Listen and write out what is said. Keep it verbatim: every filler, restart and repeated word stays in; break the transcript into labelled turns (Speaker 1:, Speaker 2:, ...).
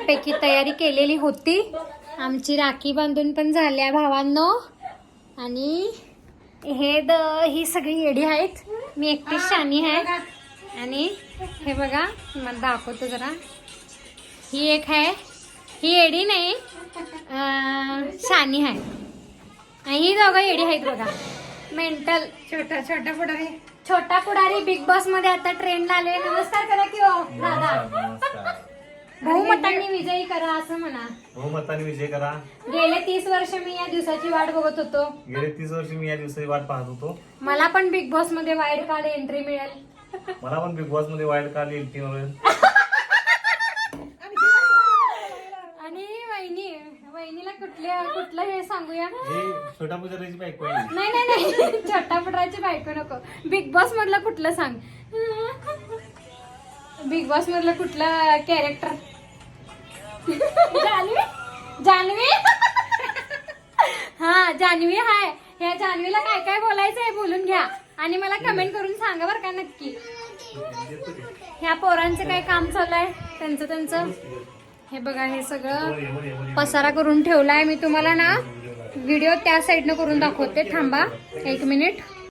Speaker 1: छानपैकी तयारी केलेली होती. आमची राखी बांधून पण झाल्या भावांनो. आणि हे द ही सगळी येडी आहेत. मी एकटीच शानी आहे. आणि हे बघा मला दाखवतो जरा. ही एक आहे. ही येडी नाही शानी आहे. आणि ही दोघं येडी आहेत बघा. मेंटल.
Speaker 2: छोटा छोटा पुढारी
Speaker 1: छोटा पुढारी बिग बॉस मध्ये आता ट्रेंड आले. नमस्कार करा की हो दादा. बहुमतांनी विजयी करा असं म्हणा.
Speaker 3: बहुमताने विजय करा.
Speaker 1: गेले तीस वर्ष मी या दिवसाची वाट बघत होतो.
Speaker 3: गेले तीस वर्ष मी या दिवसाची वाट पाहत होतो.
Speaker 1: मला पण बिग बॉस मध्ये वाईल्ड कार्ड एंट्री मिळेल.
Speaker 3: मला पण बिग बॉस मध्ये वाईल्ड कार्ड येईल. तीन वेळेस.
Speaker 1: आणि वहिनी वहिनीला कुठल्या कुठलं हे सांगूया.
Speaker 3: हे छोटा पुजारीची बायको आहे.
Speaker 1: नाही नाही नाही छोटा पुटराची बायको नको. बिग बॉस मधलं कुठलं सांग. बिग बॉस मधलं कुठलं कॅरेक्टर. जान्हवी जान्हवी हा जान्हवी हाय. ह्या जान्हवीला काय काय बोलायचं आहे बोलून घ्या. आणि मला कमेंट करून सांगा बरं का नक्की. ह्या पोरांचं काय काम चालू आहे त्यांचं त्यांचं. हे बघा हे सगळं पसारा करून ठेवलाय. मी तुम्हाला ना व्हिडिओ त्या साईडनं करून दाखवते. थांबा एक मिनिट.